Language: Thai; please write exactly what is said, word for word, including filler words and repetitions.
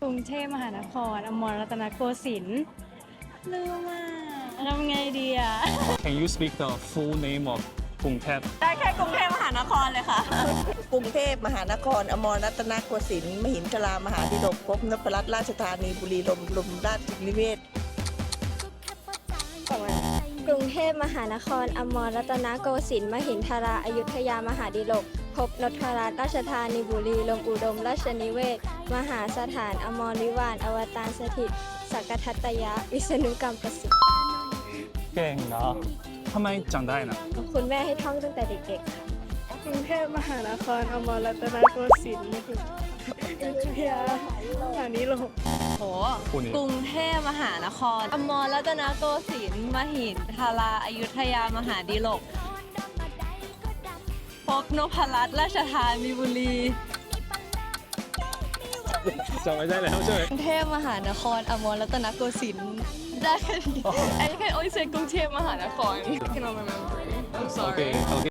รุงเทพมหานครอมรรัตนโกสินทร์ลืมมากทำไงดีอ่ะ Can you speak the full name of กรุงเทพได้แค่กรุงเทพมหานครเลยค่ะกรุงเทพมหานครอมรรัตนโกสินทร์มหินทรามหาดิลกภพนพรัตน์ราชธานีบุรีรัมย์ลมราชนิเวศน์กรุงเทพมหานครอมรรัตนโกสินทร์มหินทราอยุธยามหาดิลกภพนพรัตน์ราชธานีบุรีรัมย์อุดมราชนิเวศน์มหาสถานอมรวิวาทอวตารสถิตสักกทัตตยะวิษณุกรรมประสิทธิ์เก่งเนาะทำไมจำได้นะคุณแม่ให้ท่องตั้งแต่เด็กๆค่ะกรุงเทพมหานครอมรรัตนโกสินทร์อยุธยามหานิลกโหคู่นี้กรุงเทพมหานครอมรรัตนโกสินทร์มหินทราอยุธยามหาดิลกภพนพรัตน์ราชธานีบุรีจำไม่ได้แล้วใช่ไหมกรุงเทพมหานครอมรรัตนโกสินทร์ได้แค่นี้ I can only say กรุงเทพมหานคร I cannot remember I'm โอเค sorry โอเค